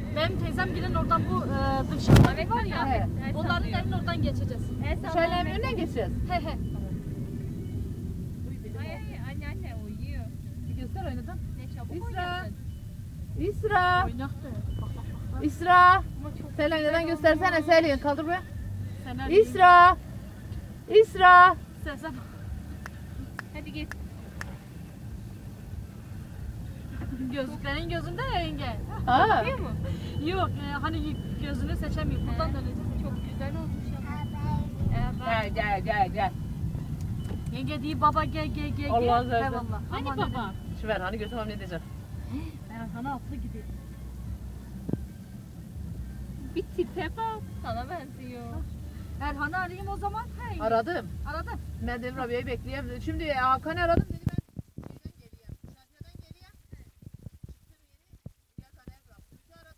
Benim teyzem giden oradan bu dışarıda Evet, var ya. evet. Onların evinin oradan geçeceğiz. Şöyle önüne geçeceğiz. He he. Anne uyuyor. Bir göster oynadın. Ne çabuk İsra. oynadın. İsra. Oynaktı. Bak bak bak. İsra. Ama çok Selin güzel neden göstersene Selin. Kaldır buraya. Sen İsra. İsra. Sen. Hadi git. Gözlüklerin gözünde ya yenge. Ha. Bakıyor mu? Yok hani gözünü seçemiyor. Buradan döneceğiz. Çok güzel olmuş ama. Gel. Yenge değil baba gel. Allah razı olsun. Eyvallah. Hani Aman baba? Şu ver hani götürmem ne diyeceğim. Erhan'a atlı gidiyor. Bir tipe bak. Sana benziyor. Erhan'ı arayayım o zaman. Hey. Aradım. Aradım. Ben Devir abiyi bekleyeyim. Şimdi Hakan'ı aradım.